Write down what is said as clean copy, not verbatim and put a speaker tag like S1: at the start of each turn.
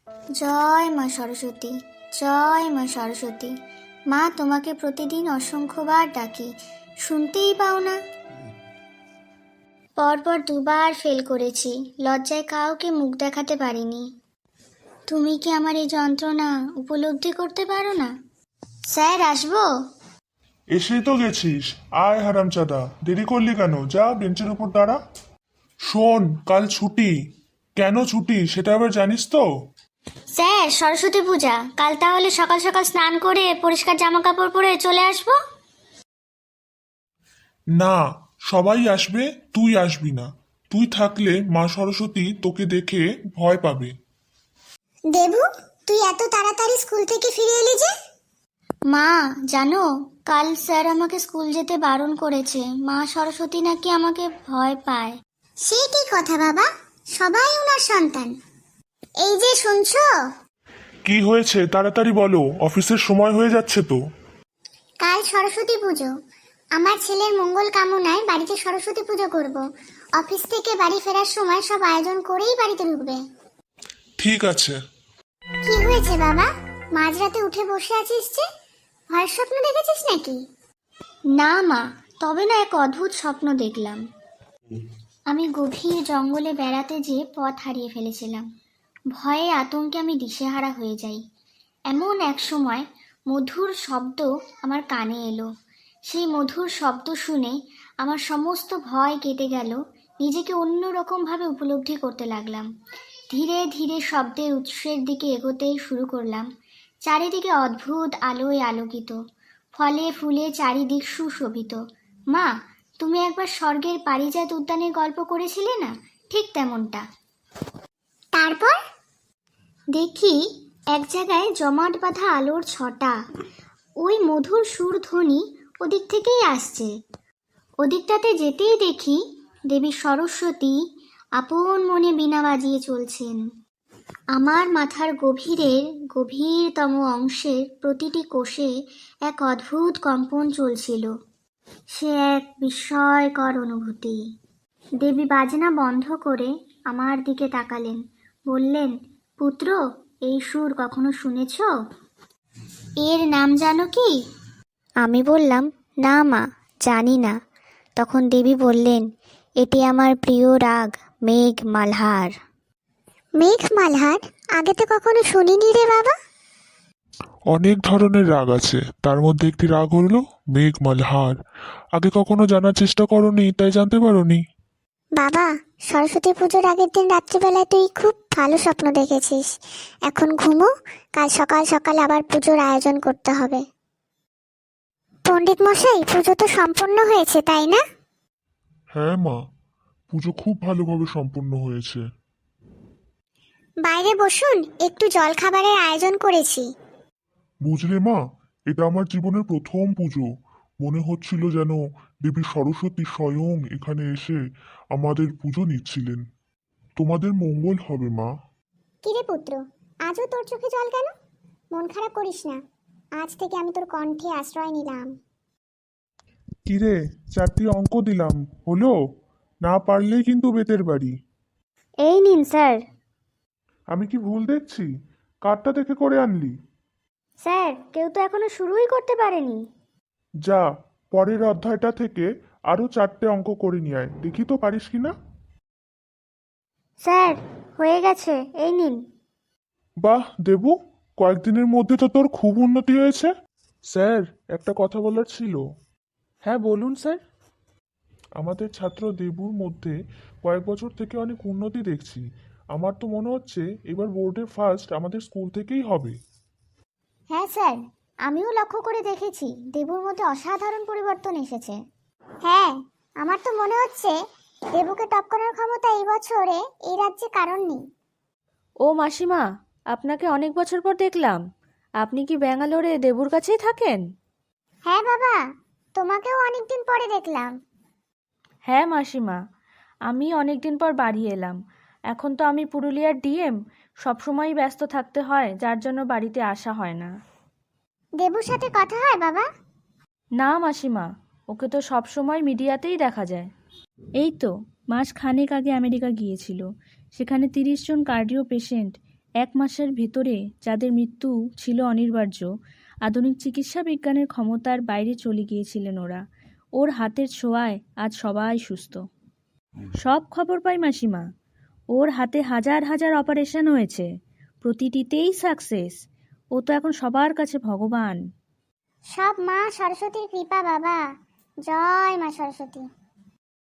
S1: জয় মা সরস্বতী, জয় মা সরস্বতী। মা, তোমাকে প্রতিদিন অসংখ্যবার ডাকি, শুনতেই পাও না। পরপর দুবার ফেল করেছি, লজ্জায় কাউকে মুখ দেখাতে পারিনি। তুমি কি আমার এই যন্ত্রণা উপলব্ধি করতে পারো না? স্যার, আসবো?
S2: এসেই তো গেছিস, আয় হারামজাদা, দেরি করলি কেন? যা বেঞ্চের উপর দাঁড়া। শোন, কাল ছুটি। কেন ছুটি সেটা আবার জানিস তো?
S1: স্যার, সরস্বতী পূজা, কাল তাহলে সকাল সকাল স্নান করে পরিষ্কার জামা কাপড় পরে চলে আসবো?
S2: না, সবাই আসবে, তুই আসবি না। তুই থাকলে মা সরস্বতী তোকে দেখে ভয় পাবে।
S1: দেবু, তুই এত তাড়াতাড়ি স্কুল থেকে ফিরে এলি যে? মা, জানো, কাল স্যার আমাকে স্কুল যেতে বারণ করেছে। মা সরস্বতী নাকি আমাকে ভয় পায়। সে কি কথা বাবা, সবাই ওনার সন্তান। এই যে শুনছো?
S2: কি হয়েছে তাড়াতাড়ি বলো, অফিসের সময় হয়ে যাচ্ছে তো।
S1: কাল সরস্বতী পুজো, আমার ছেলের মঙ্গল কামনায় বাড়িতে সরস্বতী পুজো করব। অফিস থেকে বাড়ি ফেরার সময় সব আয়োজন করেই বাড়িতে ঢুকবে।
S2: ঠিক আছে।
S1: কি হয়েছে বাবা, মাঝরাতে উঠে বসে আছিস যে? ভয়ের স্বপ্ন দেখেছিস নাকি? না মা, তবে না এক অদ্ভুত স্বপ্ন দেখলাম। আমি গভীর জঙ্গলে বেড়াতে যেয়ে পথ হারিয়ে ফেলেছিলাম। ভয়ে আতঙ্কে আমি দিশেহারা হয়ে যাই। এমন এক সময় মধুর শব্দ আমার কানে এলো। সেই মধুর শব্দ শুনে আমার সমস্ত ভয় কেটে গেল। নিজেকে অন্যরকমভাবে উপলব্ধি করতে লাগলাম। ধীরে ধীরে শব্দের উৎসের দিকে এগোতে শুরু করলাম। চারিদিকে অদ্ভুত আলোয় আলোকিত, ফলে ফুলে চারিদিক সুশোভিত। মা, তুমি একবার স্বর্গের পারিজাত উদ্যানের গল্প করেছিলে না, ঠিক তেমনটা। তারপর দেখি এক জায়গায় জমাট বাঁধা আলোর ছটা। ওই মধুর সুরধ্বনি ওদিক থেকেই আসছে। ওদিকটাতে যেতেই দেখি দেবী সরস্বতী আপন মনে বীণা বাজিয়ে চলছেন। আমার মাথার গভীরতম অংশের প্রতিটি কোষে এক অদ্ভুত কম্পন চলছিল। সে এক বিস্ময়কর অনুভূতি। দেবী বাজনা বন্ধ করে আমার দিকে তাকালেন, বললেন, পুত্র, এই সুর কখনো শুনেছ? এর নাম জানো কি? আমি বললাম, না মা, জানি না। তখন দেবী বললেন, এটি আমার প্রিয় রাগ মেঘ মালহার। মেঘ মালহার? আগে তো কখনো শুনিনি রে বাবা।
S2: অনেক ধরনের রাগ আছে, তার মধ্যে একটি রাগ হলো মেঘ মালহার। আগে কখনো জানার চেষ্টা করোনি, তাই জানতে পারোনি।
S1: বাবা, সরস্বতী পুজোর আগের দিন রাত্রিবেলায় তুই খুব ভালো স্বপ্ন দেখেছিস। এখন ঘুমো, কাল সকাল সকাল আবার পুজোর আয়োজন করতে হবে। পণ্ডিত মশাই, পুজো তো সম্পন্ন হয়েছে, তাই না?
S2: হ্যাঁ মা, পুজো খুব ভালোভাবে সম্পূর্ণ হয়েছে।
S1: বাইরে বসুন, একটু জল খাবারের আয়োজন করেছি।
S2: বুঝলে মা, এটা আমার জীবনের প্রথম পুজো। মনে হচ্ছিল যেন দেবী সরস্বতী স্বয়ং এখানে এসে আমাদের পুজো নিচ্ছিলেন। তোমাদের মঙ্গল হবে মা।
S1: কিরে পুত্র, আজও তোর চোখে জল কেন? মন খারাপ করিস না, আজ থেকে আমি তোর কণ্ঠে আশ্রয় নিলাম।
S2: কিরে, 4টি অঙ্ক দিলাম, হলো? না পারলেই কিন্তু বেতের বাড়ি।
S1: এই নিন স্যার।
S2: আমি কি ভুল দেখছি? কারটা দেখে করে আনলি?
S1: স্যার, কেউ তো এখনো শুরুই করতে পারেনি।
S2: যা, পরের অধ্যায়টা থেকে আরো 4টে অঙ্ক করে নিয়ে আয়, দেখি তো পারিস কিনা।
S1: স্যার, হয়ে গেছে, এই নিন।
S2: বাহ দেবু, কয়েকদিনের মধ্যে তো তোর খুব উন্নতি হয়েছে। স্যার, একটা কথা বলার ছিল।
S3: হ্যাঁ বলুন স্যার।
S2: আমাদের ছাত্র দেবুর মধ্যে কয়েক বছর থেকে অনেক উন্নতি দেখছি। আমার তো মনে হচ্ছে এবার বোর্ডে ফার্স্ট আমাদের স্কুল থেকেই হবে।
S1: হ্যাঁ স্যার, আমিও লক্ষ্য করে দেখেছি দেবুর মধ্যে অসাধারণ পরিবর্তন এসেছে। হ্যাঁ, আমার তো মনে হচ্ছে দেবুকে টপ করার ক্ষমতা এই বছরে এই রাজ্যে কারণ নেই।
S3: ও মাসিমা, আপনাকে অনেক বছর পর দেখলাম। আপনি কি ব্যাঙ্গালোরে দেবুর কাছেই থাকেন?
S1: হ্যাঁ বাবা, তোমাকেও অনেকদিন পরে দেখলাম।
S3: হ্যাঁ মাসিমা, আমি অনেক দিন পর বাড়ি এলাম। এখন তো আমি পুরুলিয়ার ডিএম, সবসময়ই ব্যস্ত থাকতে হয়, যার জন্য বাড়িতে আসা হয় না।
S1: দেবুর সাথে কথা হয় বাবা?
S3: না মাসিমা, ওকে তো সবসময় মিডিয়াতেই দেখা যায়। এই তো মাস খানেক আগে আমেরিকা গিয়েছিল। সেখানে 30 জন কার্ডিও পেশেন্ট 1 মাসের ভেতরে যাদের মৃত্যু ছিল অনিবার্য, আধুনিক চিকিৎসা বিজ্ঞানের ক্ষমতার বাইরে চলে গিয়েছিলেন ওরা। ওর হাতের ছোঁয়ায় আজ সবাই সুস্থ। সব খবর পাই মাসিমা। ওর হাতে হাজার হাজার অপারেশন হয়েছে, প্রতিটিতেই সাকসেস। ও তো এখন সবার কাছে ভগবান।
S1: সব মা সরস্বতীর কৃপা বাবা। জয় মা সরস্বতী।